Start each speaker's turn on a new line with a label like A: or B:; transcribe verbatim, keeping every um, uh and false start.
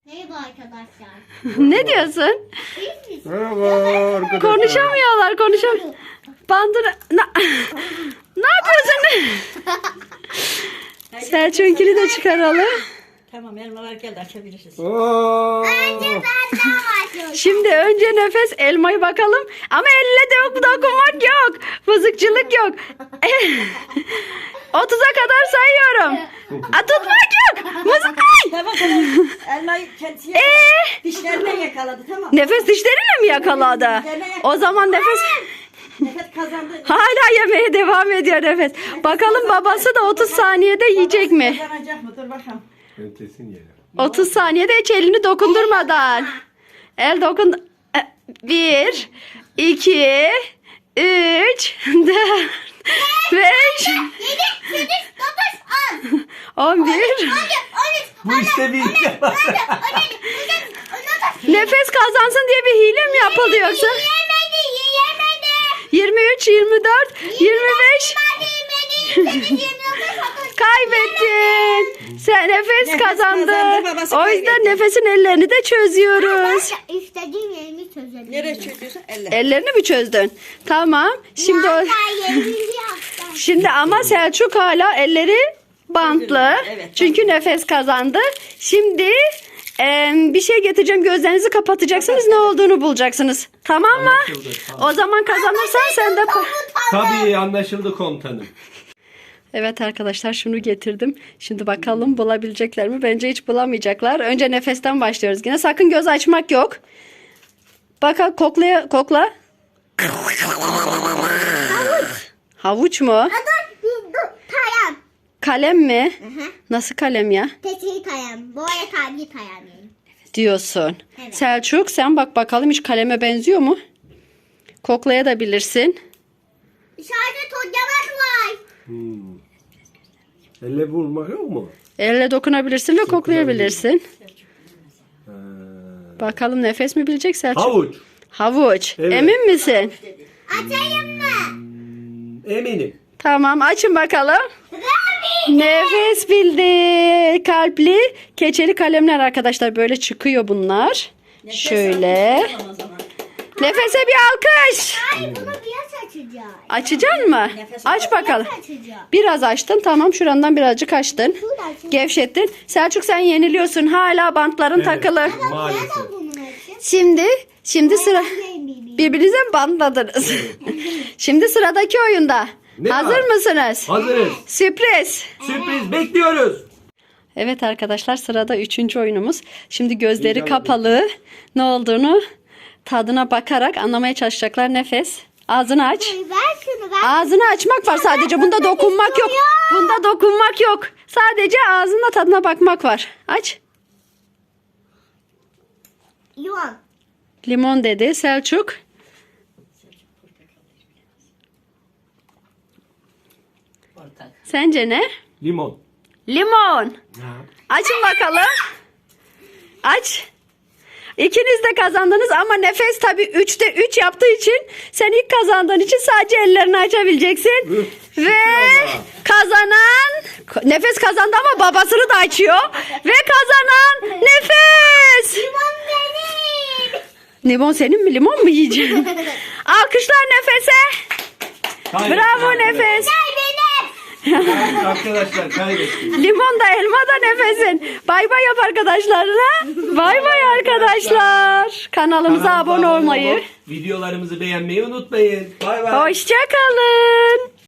A: Merhaba arkadaşlar.
B: Ne diyorsun?
C: Merhaba arkadaşlar.
B: Konuşamıyorlar, konuşam. Bandıra... Na... ne yapıyorsun? Selçuk'unkini de çıkaralım.
D: Tamam, elmalar geldi, açabiliriz.
C: Oo.
A: Önce ben daha başlıyorum.
B: Şimdi önce nefes elmayı bakalım. Ama elle de yok, dokunmak yok. Mızıkçılık yok. otuza kadar sayıyorum. A, tutmak yok. Mızıkay.
D: Tamam tamam. Elmayı kendisi yakaladı.
B: Ee?
D: Dişlerine yakaladı, tamam.
B: Nefes dişleriyle mi yakaladı? O zaman nefes...
D: Nefes kazandı.
B: Hala yemeye devam ediyor nefes. Bakalım babası da otuz saniyede yiyecek mi?
D: Kazanacak mı? Dur bakalım.
C: Entesin yeri.
B: otuz saniyede hiç elini dokundurmadan. El dokun... E, Bir, iki, üç, dört, beş,
A: Yedi, sekiz, dokuz, on.
B: on bir.
A: On, on üç,
C: Bu işte bir
A: on dört, on beş, on altı.
B: Nefes kazansın diye bir hile mi yapıldı yoksa?
A: Yiyemedi, yiyemedi.
B: yirmi üç, yirmi dört, yirmi beş.
A: Yemedi, yemedi, yirmi dokuz, otuz.
B: Kaybettin. Sen nefes,
D: Nefes
B: kazandı.
D: kazandı, babası
B: O yüzden
D: kaybetti.
B: nefesin ellerini de çözüyoruz.
A: Ben istediğim yerimi çözebilirim.
D: Nereye çözüyorsun? Elle.
B: Ellerini mi çözdün? Tamam. Şimdi o...
A: Ben yerimi yaptım.
B: Şimdi ama Selçuk hala elleri bantlı.
D: Evet,
B: Çünkü nefes kazandı. Şimdi e, bir şey getireceğim. Gözlerinizi kapatacaksınız. Ne olduğunu bulacaksınız. Tamam mı?
C: Anlaşıldı, tamam.
B: O zaman kazanırsan sen de...
C: Tabii anlaşıldı komutanım.
B: Evet arkadaşlar, şunu getirdim. Şimdi bakalım bulabilecekler mi? Bence hiç bulamayacaklar. Önce nefesten başlıyoruz. Yine sakın göz açmak yok. Bak, koklaya, kokla. Havuç mu?
A: Dur, dur, kalem.
B: Kalem mi? Nasıl kalem ya?
A: Keçeli kalem. Bu arada kalbi kalem yani.
B: Diyorsun.
A: Evet.
B: Selçuk sen bak bakalım, hiç kaleme benziyor mu? Koklayabilirsin.
A: Sadece tocamak var.
C: Hmm. Elle vurmak yok mu?
B: Elle dokunabilirsin ve koklayabilirsin.
C: Ha.
B: Bakalım nefes mi bilecek Selçuk?
C: Havuç.
B: Havuç.
C: Evet.
B: Emin misin?
A: Açayım mı?
C: Eminim.
B: Tamam, açın bakalım.
A: Rabi.
B: Nefes bildi. Kalpli keçeli kalemler arkadaşlar, böyle çıkıyor bunlar.
D: Nefes
B: Şöyle.
D: al, tamam o zaman.
B: Nefese bir alkış.
A: Hayır, bunu biraz açacağız.
B: Açacaksın mı?
D: Nefes
B: Aç bakalım.
A: Biraz açacağız.
B: Biraz açtın, tamam, şurandan birazcık açtın.
A: Şurada açacağız.
B: Gevşettin. Selçuk sen yeniliyorsun. Hala bantların takılı.
C: Maalesef.
A: Nereden bunu açacağız?
B: Şimdi, şimdi sıra...
A: Ben bebeğim.
B: Birbirinize mi bantladınız? Şimdi sıradaki oyunda.
C: Ne
B: Hazır
C: var?
B: mısınız?
C: Hazırız.
B: Sürpriz.
C: Sürpriz bekliyoruz.
B: Evet arkadaşlar, sırada üçüncü oyunumuz. Şimdi gözleri
C: Heyecanlı.
B: kapalı. Ne olduğunu tadına bakarak anlamaya çalışacaklar. Nefes. Ağzını aç.
A: Ver şunu ver.
B: Ağzını açmak var sadece. Bunda dokunmak yok. Bunda dokunmak yok. Sadece ağzında tadına bakmak var. Aç.
A: Limon.
B: Limon dedi Selçuk.
D: Portakal.
B: Sence ne?
C: Limon.
B: Limon.
C: Ha.
B: Açın bakalım. Aç. İkiniz de kazandınız ama nefes tabii üçte üç yaptığı için, sen ilk kazandığın için sadece ellerini açabileceksin.
C: Üf,
B: Ve
C: şükür
B: kazanan nefes kazandı ama babasını da açıyor. Ve kazanan nefes.
A: Limon benim.
B: Limon senin mi? Limon mu yiyeceksin? Alkışlar nefese.
C: Kaybettik
B: Bravo
C: arkadaşlar.
B: nefes.
A: Benim.
C: Arkadaşlar kaybettik.
B: Limon da elma da nefesin. Bay bay yap arkadaşlarına. Bay bay arkadaşlar. Kanalımıza
C: Kanalımıza
B: abone olmayı.
C: olup videolarımızı beğenmeyi unutmayın. Bay bay.
B: Hoşça kalın.